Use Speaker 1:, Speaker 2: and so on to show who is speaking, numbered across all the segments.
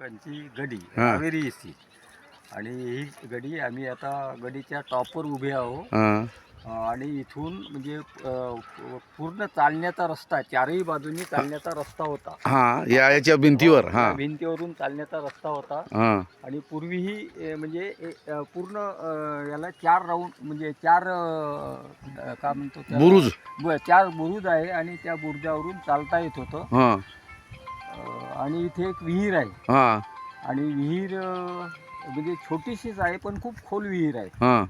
Speaker 1: लोकांची गडी
Speaker 2: हा.
Speaker 1: कावेरी एसी आणि ही गडी आम्ही आता गडीच्या टॉपवर उभे आहो.
Speaker 2: हां
Speaker 1: आणि इथून म्हणजे पूर्ण चालण्याचा रस्ता, चारही बाजूनी चालण्याचा रस्ता होता.
Speaker 2: हां याच्या भिंतीवर.
Speaker 1: या
Speaker 2: हां
Speaker 1: भिंतीवरून चालण्याचा रस्ता होता.
Speaker 2: हां
Speaker 1: आणि पूर्वीही म्हणजे पूर्ण याला 4 राऊंड म्हणजे 4 काय म्हणतो त्याला,
Speaker 2: बुरुज.
Speaker 1: 4 बुरुज आहे आणि त्या बुरुजावरून चालता येत होतं.
Speaker 2: हां
Speaker 1: आणि इथे एक विहीर आहे.
Speaker 2: हां
Speaker 1: आणि विहीर म्हणजे छोटीशीच आहे पण खूप खोल विहीर आहे.
Speaker 2: हां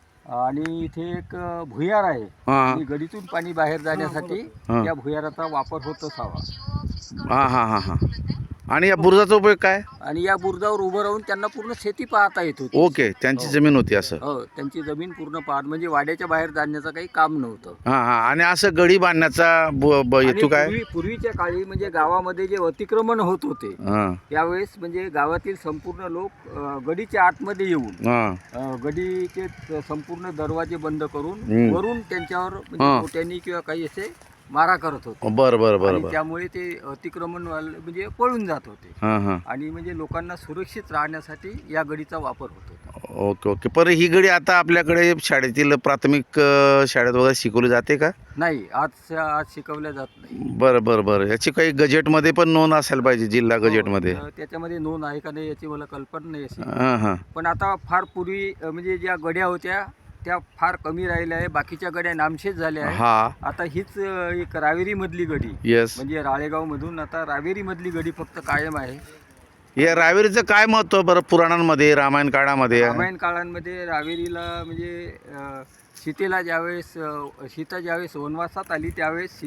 Speaker 1: आणि इथे एक भुयार आहे.
Speaker 2: हां
Speaker 1: आणि गडीतून पाणी बाहेर जाण्यासाठी
Speaker 2: हां.
Speaker 1: त्या भुयाराचा वापर होत असावा.
Speaker 2: हां हां हां हां. आणि या बुरुजाचा उपयोग काय?
Speaker 1: आणि या बुरुजावर उभं राहून त्यांना पूर्ण शेती पाहता येत होती.
Speaker 2: ओके, त्यांची
Speaker 1: हो.
Speaker 2: जमीन होती असं.
Speaker 1: हो, त्यांची जमीन पूर्ण पाहत म्हणजे वाड्याच्या बाहेर जाण्याचं काही काम नव्हतं.
Speaker 2: हां हां. आणि असं गडी बांधण्याचा
Speaker 1: आणि
Speaker 2: हेतू काय?
Speaker 1: पूर्वीच्या काळी म्हणजे गावामध्ये जे अतिक्रमण होत होते
Speaker 2: हां
Speaker 1: त्यावेळेस म्हणजे गावातील संपूर्ण लोक गडीच्या आतमध्ये येऊन
Speaker 2: हां
Speaker 1: गडीचे संपूर्ण दरवाजे बंद करून
Speaker 2: हम्म.
Speaker 1: वरून त्यांच्यावर
Speaker 2: हां.
Speaker 1: म्हणजे मोठ्यांनी किंवा काही असे मारा करत होते.
Speaker 2: बरं बरं बरं
Speaker 1: आणि
Speaker 2: बरं.
Speaker 1: त्यामुळे ते अतिक्रमण म्हणजे पळून जात होते.
Speaker 2: हां हां.
Speaker 1: आणि म्हणजे लोकांना सुरक्षित राहण्यासाठी या गडीचा वापर होत होता.
Speaker 2: Okay okay. पर ही गडी आता आपल्याकडे शाळेतील प्राथमिक शाळेत वगैरे शिकवली जाते का?
Speaker 1: नाही, आज शिकवल्या जात नाही.
Speaker 2: बरं बरं बरं. याची काही गजेटमध्ये पण नोंद असायला पाहिजे, जिल्हा गजेटमध्ये.
Speaker 1: तर त्याच्यामध्ये नोंद आहे का नाही याची मला कल्पना नाही अशी.
Speaker 2: हां हां
Speaker 1: पण आता फार पूर्वी म्हणजे ज्या गड्या होत्या त्या फार कमी राहिल्या आहे. बाकीच्या गड्या नामशेष झाल्या आहे.
Speaker 2: हां.
Speaker 1: आता हीच एक रावेरी मधली गडी
Speaker 2: येस.
Speaker 1: म्हणजे राळेगाव मधून आता रावेरी मधली गडी फक्त कायम आहे.
Speaker 2: या रावेरीचं काय महत्त्व बरं पुराणांमध्ये, रामायण काळामध्ये?
Speaker 1: रामायण काळांमध्ये रावेरीला म्हणजे सीतेला ज्यावेळेस सीता ज्यावेळेस वनवासात आली त्यावेळेस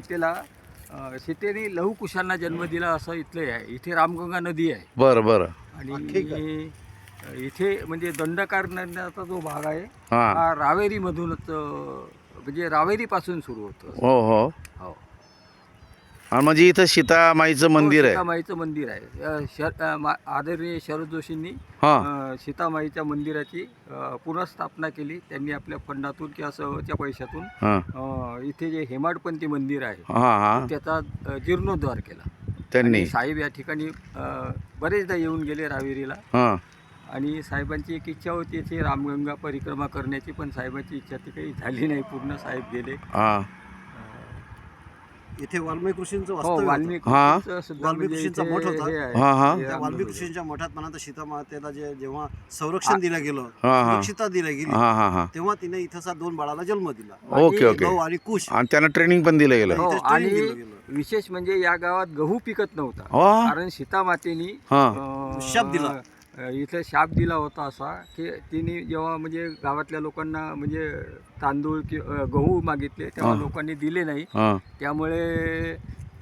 Speaker 1: सीतेने लहुकुशांना जन्म दिला असं इथले आहे. इथे रामगंगा नदी आहे.
Speaker 2: बरं बरं.
Speaker 1: आणि इथे म्हणजे दंडकार नदीचा जो भाग आहे
Speaker 2: हां.
Speaker 1: हा रावेरीमधूनच म्हणजे रावेरीपासून सुरू होतो.
Speaker 2: हो हो.
Speaker 1: हो.
Speaker 2: आणि म्हणजे इथं सीतामाईचं मंदिर आहे.
Speaker 1: सीतामाईचं मंदिर आहे. आदरणीय शरद जोशींनी
Speaker 2: हां
Speaker 1: सीतामाईच्या मंदिराची पुनर्स्थापना केली. त्यांनी आपल्या फंडातून किंवा सहच्या पैशातून
Speaker 2: हां
Speaker 1: इथे जे हेमाडपंथी मंदिर आहे
Speaker 2: हां हां.
Speaker 1: त्याचा जीर्णोद्धार केला.
Speaker 2: त्यांनी.
Speaker 1: आणि साहेब या ठिकाणी बरेचदा येऊन गेले रावेरीला.
Speaker 2: हां
Speaker 1: आणि साहेबांची एक इच्छा होती इथे रामगंगा परिक्रमा करण्याची, पण साहेबांची इच्छा ती काही झाली नाही पूर्ण. साहेब गेले.
Speaker 2: हां
Speaker 3: इथे वाल्मिकी ऋषींचं
Speaker 1: हो,
Speaker 3: वास्तव्य होतं.
Speaker 1: वाल्मिकीचं सुद्धा
Speaker 3: वाल्मिकी
Speaker 1: म्हणजे
Speaker 3: ऋषींचा
Speaker 1: इथे
Speaker 3: मठ होता.
Speaker 1: हे आहे.
Speaker 2: हां, हां.
Speaker 1: हे
Speaker 3: त्या
Speaker 1: राम
Speaker 3: वाल्मिकी
Speaker 1: मंदिर.
Speaker 3: ऋषींच्या मठात म्हणा तर सीतामातेला जेव्हा संरक्षण दिलं गेलं,
Speaker 2: हां, हां.
Speaker 3: सुरक्षितता दिली गेली,
Speaker 2: हां हां हां.
Speaker 3: तेव्हा तिने इथंचा 2 बाळाला जन्म दिला.
Speaker 2: Okay okay.
Speaker 3: गौ आणि कुश.
Speaker 2: आणि त्यांना ट्रेनिंग पण दिलं गेलं.
Speaker 1: हो,
Speaker 3: इथेच training
Speaker 1: आणि
Speaker 3: दिलं गेलं.
Speaker 1: विशेष म्हणजे या गावात गहू पिकत नव्हता.
Speaker 2: हो.
Speaker 1: कारण सीतामातेनी
Speaker 2: हां.
Speaker 3: शाप दिला.
Speaker 1: इथे शाप दिला होता असा की तिने जेव्हा म्हणजे गावातल्या लोकांना म्हणजे तांदूळ गहू मागितले तेव्हा
Speaker 2: हां.
Speaker 1: लोकांनी दिले नाही.
Speaker 2: हां
Speaker 1: त्यामुळे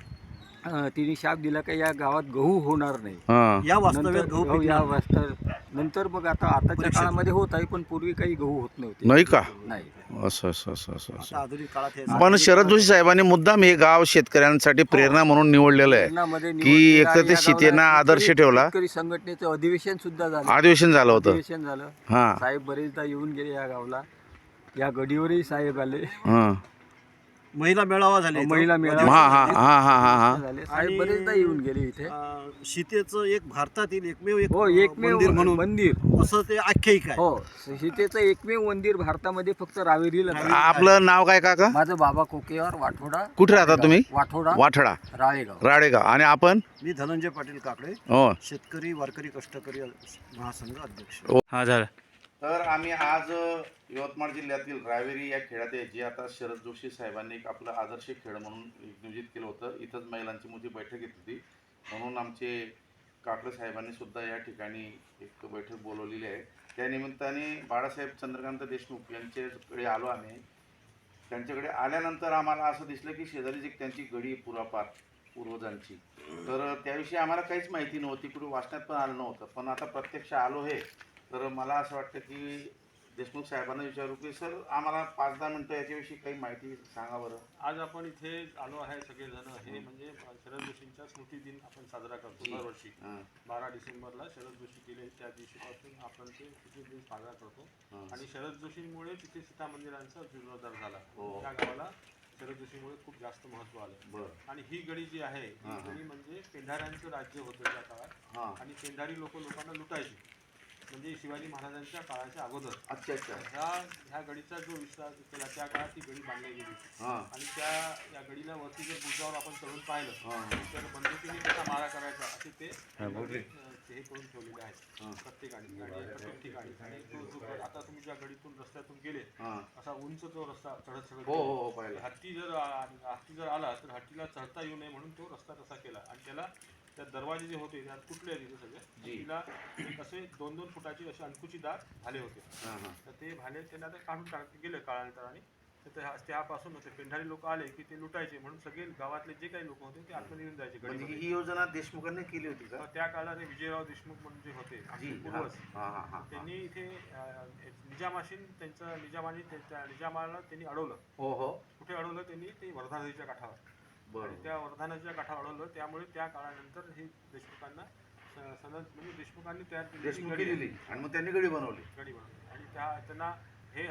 Speaker 1: तिने शाप दिला की या गावात गहू होणार नाही.
Speaker 2: हां.
Speaker 3: या वास्तव्यात गहू
Speaker 1: हो, या
Speaker 3: पिकला.
Speaker 1: नंतर मग आताच्या
Speaker 3: परीक्षेत.
Speaker 1: काळामध्ये होत आहे पण पूर्वी काही गहू होत नव्हते.
Speaker 2: नाही का?
Speaker 1: नाही.
Speaker 2: असं असं असं असं
Speaker 3: आता
Speaker 2: असं.
Speaker 3: आधुनिक काळात हे
Speaker 2: पण शरद जोशी साहेबांनी मुद्दाम हे गाव शेतकऱ्यांसाठी प्रेरणा म्हणून निवडलेलं आहे
Speaker 1: लग्नामध्ये
Speaker 2: की
Speaker 1: निवडलेलं
Speaker 2: एकतर
Speaker 1: आणि
Speaker 2: ते
Speaker 1: या
Speaker 2: सीतेना
Speaker 1: गावाला
Speaker 2: आदर्श
Speaker 1: शेतकरी-
Speaker 2: ठेवला.
Speaker 1: शेतकरी संघटनेचं अधिवेशन सुद्धा झालं.
Speaker 2: अधिवेशन झालं होतं.
Speaker 1: अधिवेशन झालं.
Speaker 2: हां
Speaker 1: साहेब बरेचदा येऊन गेले या गावला. या गडीवरही साहेब आले.
Speaker 2: हां
Speaker 3: महिला मेळावा झाले इथं.
Speaker 1: महिला मेळावा
Speaker 2: हां हां हां हां हां हां.
Speaker 1: झाले. साहेब
Speaker 3: आणि,
Speaker 1: बरेचदा येऊन गेले इथे.
Speaker 3: सीतेचं एक भारतातील एकमेव एक
Speaker 1: हो, एकमेव
Speaker 3: मंदिर म्हणून
Speaker 1: मंदिर.
Speaker 3: असं ते आख्यायिका आहे.
Speaker 1: हो, सीतेचं एकमेव मंदिर भारतामध्ये फक्त रावेरीला आहे.
Speaker 2: आपलं नाव काय काका?
Speaker 1: माझं बाबा कोकेवार, वाठोडा.
Speaker 2: कुठे राहता तुम्ही?
Speaker 1: वाठोडा,
Speaker 2: वाठडा
Speaker 1: राळेगाव.
Speaker 2: राळेगाव. आणि आपण?
Speaker 3: मी धनंजय पाटील काकडे,
Speaker 2: हो.
Speaker 3: शेतकरी वारकरी कष्टकरी महासंघ अध्यक्ष.
Speaker 2: हा झालं. तर आम्ही आज यवतमाळ जिल्ह्यातील रावेरी या खेळात आहे जे आता शरद जोशी साहेबांनी एक आपलं आदर्श खेळ म्हणून नियोजित केलं होतं. इथंच महिलांची मोठी बैठक घेतली होती म्हणून आमचे काकडे साहेबांनी सुद्धा या ठिकाणी एक बैठक बोलवलेली आहे. त्या निमित्ताने बाळासाहेब चंद्रकांत देशमुख यांच्याकडे आलो आम्ही. त्यांच्याकडे आल्यानंतर आम्हाला असं दिसलं की शेजारीच एक त्यांची गडी पुरापार पूर्वजांची. तर त्याविषयी आम्हाला काहीच माहिती नव्हती, कुठे वाचण्यात पण आलं नव्हतं. पण आता प्रत्यक्ष आलो हे तर मला असं वाटतं की देशमुख साहेबांना विचारू की सर आम्हाला 5-10 मिनटं याच्याविषयी काही माहिती सांगा बरं.
Speaker 4: आज आपण इथे आलो आहे सगळेजण. हे म्हणजे शरद जोशींचा स्मृती दिन आपण साजरा करतो दरवर्षी. 12 डिसेंबरला शरद जोशी गेले त्या दिवशीपासून आपण ते स्मृती दिन साजरा करतो. आणि शरद जोशींमुळे तिथे सीता मंदिरांचा जीर्णोद्धार झाला. त्या गावाला शरद जोशीमुळे खूप जास्त महत्त्व आलं.
Speaker 2: बरं.
Speaker 4: आणि ही गडी जी आहे
Speaker 2: हां,
Speaker 4: ही
Speaker 2: हां.
Speaker 4: गडी म्हणजे पेंढाऱ्यांचं राज्य होतं त्या काळात.
Speaker 2: हां.
Speaker 4: आणि पेंढारी लोकांना लुटायची, म्हणजे शिवाजी महाराजांच्या काळाच्या अगोदर.
Speaker 2: अच्छा अच्छा.
Speaker 4: ह्या गडीचा जो विस्तार केला त्या काळात ती गडी बांधली गेली.
Speaker 2: हां.
Speaker 4: आणि या गडीला वरती जर बुजावर आपण चढून पाहिलं
Speaker 2: हां.
Speaker 4: तर बंदुकीने कसा मारा करायचा असे ते हे करून ठेवलेले आहेत
Speaker 2: हां.
Speaker 4: प्रत्येकाने आणि प्रत्येक ठिकाणी. आणि तो जो गड आता तुम्ही ज्या गडीतून रस्त्यातून गेले
Speaker 2: हां.
Speaker 4: असा उंच तो रस्ता चढत चढत
Speaker 2: हो हो
Speaker 4: गेला.
Speaker 2: हो पाहिलं.
Speaker 4: हत्ती जर आला तर हत्तीला चढता येऊ नये म्हणून तो रस्ता तसा केला. आणि त्याला त्या दरवाजे जे होते त्यात तुटले तिथे सगळे.
Speaker 2: जी.
Speaker 4: तिला एक असे 2-2 फुटाचे असे अंकुचीदार भाले होते.
Speaker 2: हां हां.
Speaker 4: तर ते भाले त्यांना आता काढून टाकले गेले काळांतराने. तर त्यापासून होते पेंढारी लोक आले की ते लुटायचे म्हणून सगळे गावातले जे काही लोक होते ते आतमध्ये येऊन जायचे
Speaker 2: म्हणजे
Speaker 4: गडीमध्ये.
Speaker 2: ही योजना देशमुखांनी केली होती का?
Speaker 4: तर त्या काळात हे विजयराव देशमुख म्हणून जे होते आमचे
Speaker 2: जी.
Speaker 4: पूर्वज,
Speaker 2: हां हां हां.
Speaker 4: त्यांनी इथे निजामाने त्या निजामाला त्यांनी अडवलं.
Speaker 2: हो हो.
Speaker 4: कुठे अडवलं त्यांनी? ते वर्धा नदीच्या काठावर. आणि
Speaker 2: बरं.
Speaker 4: त्या वर्धा नदीच्या काठावर अडवलं. त्यामुळे त्या काळानंतर हे देशमुखांना म्हणजे देशमुखांनी तयार केलेली
Speaker 2: देशमुखी
Speaker 4: गडी
Speaker 2: दिली आणि मग त्यांनी गडी बनवली.
Speaker 4: बनवली. आणि त्यांना हे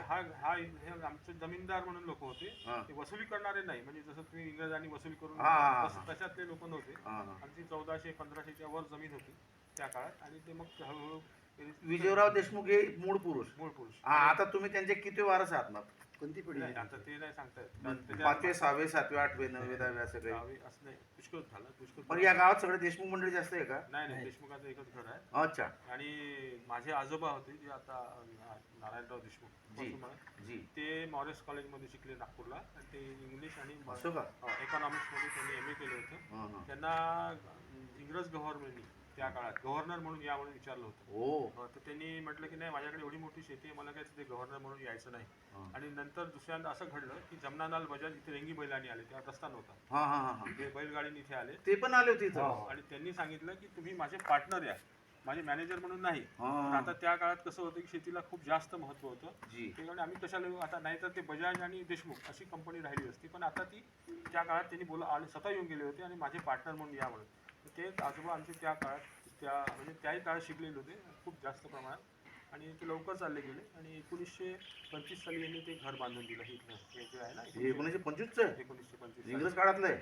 Speaker 4: आमचे जमीनदार म्हणून लोक होते.
Speaker 2: हां.
Speaker 4: ते वसुली करणारे नाही, म्हणजे जसं तुम्ही इंग्रजांनी वसुली करून
Speaker 2: हां, हां, हां.
Speaker 4: तशातले लोक नव्हते.
Speaker 2: हां हां.
Speaker 4: आमची 1400-1500च्या वर जमीन होती त्या काळात. आणि ते मग हळूहळू
Speaker 2: विजयराव देशमुख हे मूळ पुरुष.
Speaker 4: मूळ पुरुष.
Speaker 2: हा, आता तुम्ही त्यांचे किती वारस आहात मग?
Speaker 3: कोणती पिढी
Speaker 4: नाही,
Speaker 3: आहे?
Speaker 4: आता ते नाही सांगता येत. कारण त्याच्या-
Speaker 2: 5वे 6वे 7वे 8वे 9वे 10वे असं काही.
Speaker 4: गावी असं नाही, पुष्कळ झालं पुष्कळ.
Speaker 2: पण या गावात सगळे देशमुख मंडळी जास्त आहे का?
Speaker 4: नाही नाही, देशमुखाचं एकच घर आहे.
Speaker 2: अच्छा.
Speaker 4: आणि माझे आजोबा होते जे आता नारायणराव देशमुख
Speaker 2: जी.
Speaker 4: असं म्हणा.
Speaker 2: जी.
Speaker 4: ते मॉरिस कॉलेजमध्ये शिकले नागपूरला. आणि ते इंग्लिश आणि
Speaker 2: असं का?
Speaker 4: इकॉनॉमिक्समध्ये त्यांनी MA केलं होतं.
Speaker 2: हां हां.
Speaker 4: त्यांना इंग्रज गव्हर्नमेंटनी त्या काळात गव्हर्नर म्हणून या म्हणून विचारलं होतं.
Speaker 2: हो.
Speaker 4: तर त्यांनी म्हटलं की नाही, माझ्याकडे एवढी मोठी शेती आहे, मला काय तिथे गव्हर्नर म्हणून यायचं नाही.
Speaker 2: हां.
Speaker 4: आणि नंतर दुसऱ्यांदा असं घडलं की जमनालाल बजाज इथे रेंगी बैलांनी आले, तेव्हा रस्ता नव्हता.
Speaker 2: हां हां हां हां.
Speaker 4: ते बैलगाडीने इथे आले.
Speaker 2: ते पण आले होते इथं.
Speaker 4: आणि त्यांनी सांगितलं की तुम्ही माझे पार्टनर या, माझे मॅनेजर म्हणून नाही.
Speaker 2: हां.
Speaker 4: पण आता त्या काळात कसं होतं की शेतीला खूप जास्त महत्त्व होतं.
Speaker 2: जी.
Speaker 4: ते म्हणे आम्ही कशाला येऊ आता, नाही तर ते बजाज आणि देशमुख अशी कंपनी राहिली असती. पण आता ती त्या काळात त्यांनी आले, स्वतः येऊन गेले होते आणि माझे पार्टनर म्हणून या म्हणून. तर ते आजोबा आमचे त्या काळात म्हणजे त्याही काळात शिकलेले होते खूप जास्त प्रमाणात. आणि ते लवकर चालले गेले. आणि 1925 साली यांनी ते घर बांधून दिलं. हे जे आहे ना,
Speaker 2: 1925चं आहे?
Speaker 4: 1925
Speaker 2: इंग्रज काळातलं आहे?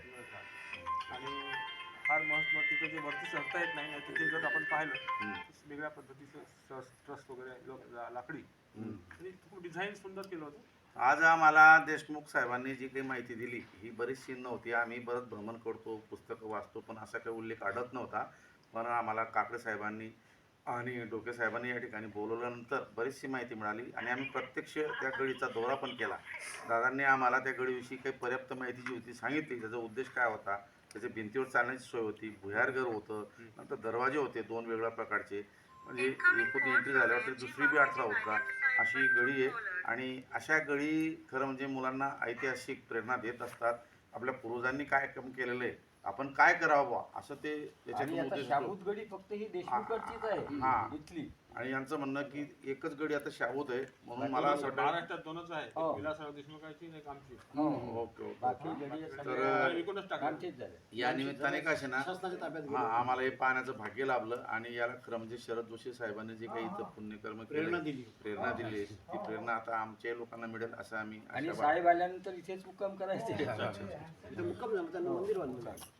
Speaker 4: आणि फार मस्त तिथे जे वरती चढता येत नाही, तिथे जर आपण पाहिलं तर वेगळ्या पद्धतीचं ट्रस्ट वगैरे लाकडी. आणि खूप डिझाईन सुंदर केलं होतं.
Speaker 2: आज आम्हाला देशमुख साहेबांनी जी काही माहिती दिली ही बरीचशी नव्हती. आम्ही बरंच भ्रमण करतो, पुस्तकं वाचतो, पण असा काही उल्लेख आढळत नव्हता. पण आम्हाला काकडे साहेबांनी आणि डोके साहेबांनी या ठिकाणी बोलवल्यानंतर बरीचशी माहिती मिळाली आणि आम्ही प्रत्यक्ष त्या गडीचा दौरा पण केला. दादांनी आम्हाला त्या गडीविषयी काही पर्याप्त माहिती जी होती सांगितली. त्याचा उद्देश काय होता, त्याच्या भिंतीवर चालण्याची सोय होती, भुयारघर होतं, नंतर दरवाजे होते 2 वेगळ्या प्रकारचे. म्हणजे एकूण एंट्री झाल्यावर तरी दुसरी बी अडथळा होता. अशी गडी आहे. आणि अशा गडी खरं म्हणजे मुलांना ऐतिहासिक प्रेरणा देत असतात. आपल्या पूर्वजांनी काय काम केलेलं आहे, आपण काय करावं बा असं ते
Speaker 1: आणि
Speaker 2: त्याच्यातून
Speaker 1: आता
Speaker 2: उद्देश होतो.
Speaker 1: शाबूत गडी फक्त ही देशमुखचीच
Speaker 2: हां.
Speaker 1: आहे इथली.
Speaker 2: आणि यांचं म्हणणं की एकच गडी आता शाबूत आहे म्हणून मला असं वाटतं.
Speaker 4: महाराष्ट्रात 2च आहे,
Speaker 1: हो.
Speaker 4: एक विलासराव देशमुखाची आणि एक आमची.
Speaker 2: Okay okay.
Speaker 1: बाकी गडी
Speaker 2: तर
Speaker 4: विकूनच टाकलं.
Speaker 1: आमचीच झाले.
Speaker 2: या निमित्ताने काय असे ना,
Speaker 3: शासनाच्या ताब्यात गेली.
Speaker 2: हा आम्हाला हे पाहण्याचं भाग्य लाभलं. आणि याला खरं म्हणजे शरद जोशी साहेबांनी जे काही इथं पुण्यकर्म
Speaker 3: प्रेरणा
Speaker 2: केलं,
Speaker 3: दिली.
Speaker 2: प्रेरणा दिली, ती प्रेरणा आता आमच्या लोकांना मिळेल असं आम्ही
Speaker 1: आणि
Speaker 2: आशावादी.
Speaker 1: साहेब आल्यानंतर इथेच मुक्काम करायचे.
Speaker 2: अच्छा, अच्छा, अच्छा.
Speaker 3: इथं मुक्काम झाला, त्यांना मंदिर बांधलं.